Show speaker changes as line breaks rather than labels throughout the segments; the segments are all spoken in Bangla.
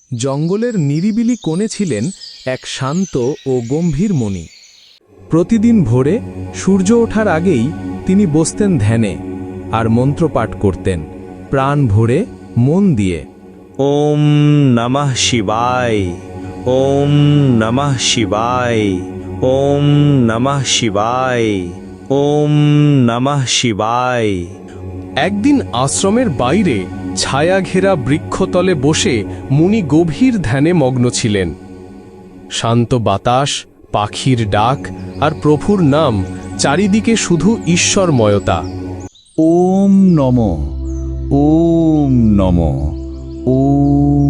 জঙ্গলের নিরিবিলি কোণে ছিলেন এক শান্ত ও গম্ভীর মুনি। প্রতিদিন ভোরে সূর্য ওঠার আগেই তিনি বসতেন ধ্যানে আর মন্ত্রপাঠ করতেন প্রাণ ভরে মন দিয়ে।
ওম নমঃ শিবায়, ওম নমঃ শিবায়, ওম নমঃ শিবায়, ওম নমঃ শিবায়।
একদিন আশ্রমের বাইরে ছায়া ঘেরা বৃক্ষতলে বসে মুনি গভীর ধ্যানে মগ্ন ছিলেন। শান্ত বাতাস, পাখির ডাক আর প্রভুর নাম, চারিদিকে শুধু ঈশ্বরময়তা।
ওম নম, ওম নম, ওম।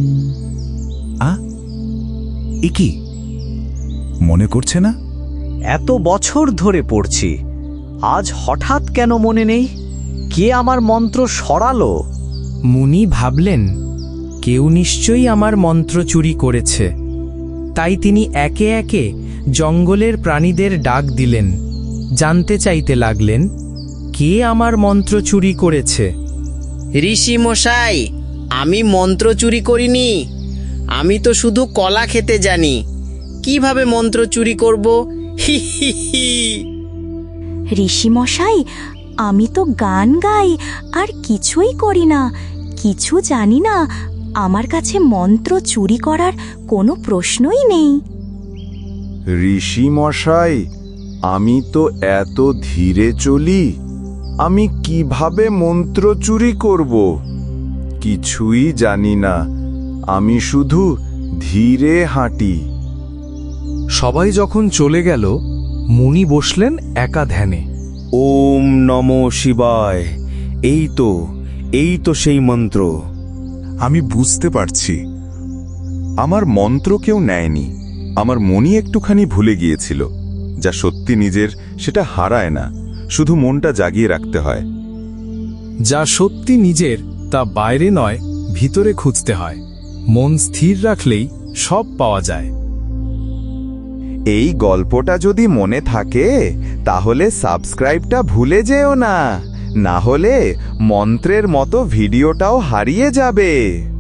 এ কি মনে করছে না?
এত বছর ধরে পড়ছি, আজ হঠাৎ কেন মনে নেই? কে আমার মন্ত্র সরালো?
মুনি ভাবলেন, কেউ নিশ্চয়ই আমার মন্ত্র চুরি করেছে। তাই তিনি একে একে জঙ্গলের প্রাণীদের ডাক দিলেন, জানতে চাইতে লাগলেন, কে আমার মন্ত্র চুরি করেছে।
ঋষি মশাই, আমি মন্ত্র চুরি করিনি। আমি তো শুধু কলা খেতে জানি। কিভাবে মন্ত্র চুরি করব? হি হি হি।
ঋষিমশাই, আমি তো গান গাই আর কিছুই করি না, কিছু জানি না। আমার কাছে মন্ত্র চুরি করার কোনো প্রশ্নই নেই।
ঋষি মশাই, আমি তো এত ধীরে চলি, আমি কিভাবে মন্ত্র চুরি করব? কিছুই জানি না, আমি শুধু ধীরে হাঁটি।
সবাই যখন চলে গেল, মুনি বসলেন একা ধ্যানে।
ওম নমঃ শিবায়, এই তো সেই মন্ত্র।
আমি বুঝতে পারছি, আমার মন্ত্র কেউ নেয়নি। আমার মনই একটুখানি ভুলে গিয়েছিল। যা সত্যি নিজের, সেটা হারায় না, শুধু মনটা জাগিয়ে রাখতে হয়।
যা সত্যি নিজের, তা বাইরে নয়, ভিতরে খুঁজতে হয়। মন স্থির রাখলেই সব পাওয়া যায়।
এই গল্পটা যদি মনে থাকে, তাহলে সাবস্ক্রাইবটা ভুলে যেও না, না হলে মন্ত্রের মতো ভিডিওটাও হারিয়ে যাবে।